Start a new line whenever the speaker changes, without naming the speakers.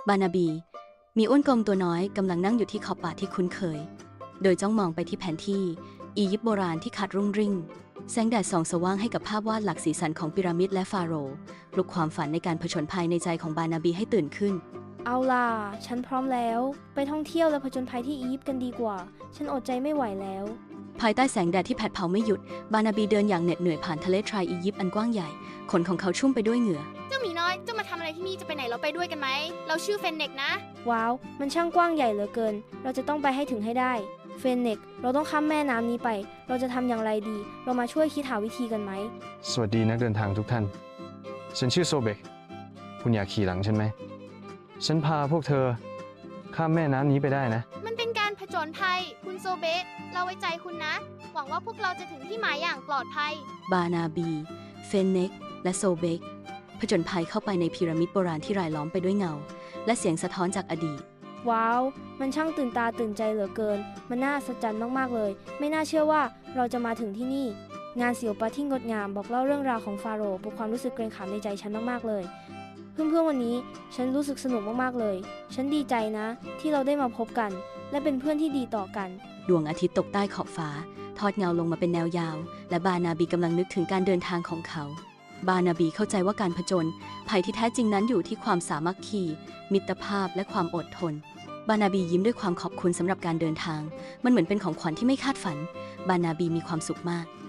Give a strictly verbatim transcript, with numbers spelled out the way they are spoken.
บานาบีมีอ้วนกลมตัวน้อยกำลังนั่งอยู่ที่ขอบป่าที่คุ้นเคยโดยจ้องมองไปที่แผนที่อียิปต์โบราณที่ขาดรุ่งริ่งแสงแดดส่องสว่างให้กับภาพวาดหลักสีสันของพีระมิดและฟาโรห์ปลุกความฝันในการผจญภัยในใจของบานาบีให้ตื่นขึ้น
เอาล่ะฉันพร้อมแล้วไปท่องเที่ยวและผจญภัยที่อียิปต์กันดีกว่าฉันอดใจไม่ไหวแล้ว
ภายใต้แสงแดดที่แผดเผาไม่หยุดบานาบีเดินอย่างเหน็ดเหนื่อยผ่านทะเลทรายอียิปต์อันกว้างใหญ่ขนของเขาชุ่มไปด้วยเหงื่อ
เจ้าหมีน้อยเจ้ามาทำอะไรที่นี่จะไปไหนเราไปด้วยกันไหมเราชื่อเฟนเน็กนะ
ว้าวมันช่างกว้างใหญ่เหลือเกินเราจะต้องไปให้ถึงให้ได้เฟนเน็กเราต้องข้ามแม่น้ำนี้ไปเราจะทำอย่างไรดีเรามาช่วยคิดหาวิธีกันไหม
สวัสดีนักเดินทางทุกท่านฉันชื่อโซเบกคุณอยากขี่หลังฉันไหมฉันพาพวกเธอข้ามแม่น้ำนี้ไปได้นะ
มันเป็นการผจญภัยคุณโซเบะเราไว้ใจคุณนะหวังว่าพวกเราจะถึงที่หมายอย่างปลอดภัย
บานาบีเฟนเน็กและโซเบกผจญภัยเข้าไปในพีระมิดโบราณที่รายล้อมไปด้วยเงาและเสียงสะท้อนจากอดีต
ว้าวมันช่างตื่นตาตื่นใจเหลือเกินมันน่าสะใจมากๆเลยไม่น่าเชื่อว่าเราจะมาถึงที่นี่งานศิลปะที่งดงามบอกเล่าเรื่องราวของฟาโรห์ปลุกความรู้สึกเกรงขามในใจฉันมากๆเลยเพื่อนๆวันนี้ฉันรู้สึกสนุกมากๆเลยฉันดีใจนะที่เราได้มาพบกันและเป็นเพื่อนที่ดีต่อกัน
ดวงอาทิตย์ตกใต้ขอบฟ้าทอดเงาลงมาเป็นแนวยาวและบานาบีกำลังนึกถึงการเดินทางของเขาบานาบีเข้าใจว่าการผจญภัยที่แท้จริงนั้นอยู่ที่ความสามัคคีมิตรภาพและความอดทนบานาบียิ้มด้วยความขอบคุณสำหรับการเดินทางมันเหมือนเป็นของขวัญที่ไม่คาดฝันบานาบีมีความสุขมาก